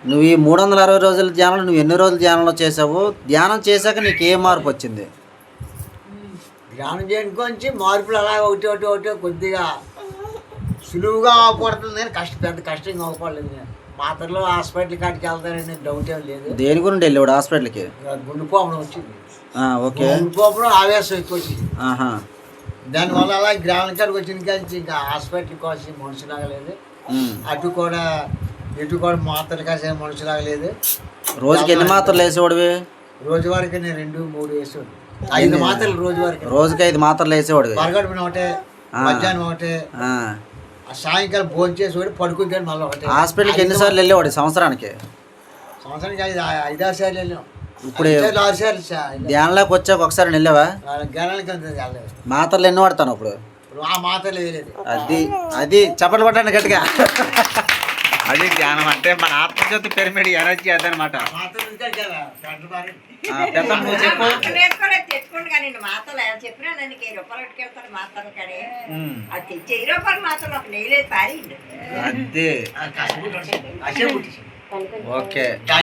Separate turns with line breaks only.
నువ్వు ఈ 360 రోజుల ధ్యానంలో నువ్వు ఎన్ని రోజులు ధ్యానంలో చేసావు? ధ్యానం చేశాక నీకు ఏ మార్పు వచ్చింది?
ధ్యానం చేయడానికి మార్పులు అలా ఒకటి ఒకటి ఒకటి కొద్దిగా సులువుగా అవ్వకూడదు. నేను పెద్ద కష్టంగా అవ్వకూడలేదు. నేను మాత్రలో హాస్పిటల్ కాడికి వెళ్తానని డౌట్ ఏం లేదు.
దేని గురించి వెళ్ళాడు హాస్పిటల్కి?
గుండె పోపడం వచ్చింది.
ఓకే.
గుండె పోపడం ఆవేశం ఎక్కువ వచ్చింది. దానివల్ల అలా గ్రామం కాడికి వచ్చిన కానీ ఇంకా హాస్పిటల్ కోసం మనుషులాగా లేదు. అటు కూడా మాత్రలు కాసే మనుషులాగా లేదు.
రోజుకి ఎన్ని మాత్రలు వేసేవాడివి?
రోజువారికి నేను 2-3 వేసేవాడు. 5 మాత్రలు రోజువారికి.
రోజుకి 5 మాత్రలు వేసేవాడివి?
పరగడుపున ఒకటే, మధ్యాహ్నం ఒకటే, సాయంకాలం భోజనం చేసేవాడు, పడుకుంటే మళ్ళీ ఒకటే.
హాస్పిటల్కి ఎన్నిసార్లు వెళ్ళేవాడు సంవత్సరానికి?
సంవత్సరానికి 5-6 సార్లు వెళ్ళాం.
ఇప్పుడు
6 సార్లు
ధ్యానంలోకి వచ్చాక ఒకసారి వెళ్ళావా?
గణాలకి
మాత్రలు ఎన్ని వాడతాను ఇప్పుడు?
ఆ మాత్రలు వేయలేదు.
అది చప్పట్లు పట్టండి గట్టిగా. అది ధ్యానం అంటే మన ఆత్మజ్యోతి పిరమిడ్ ఎనర్జీ అదనమాట. అదే ఓకే.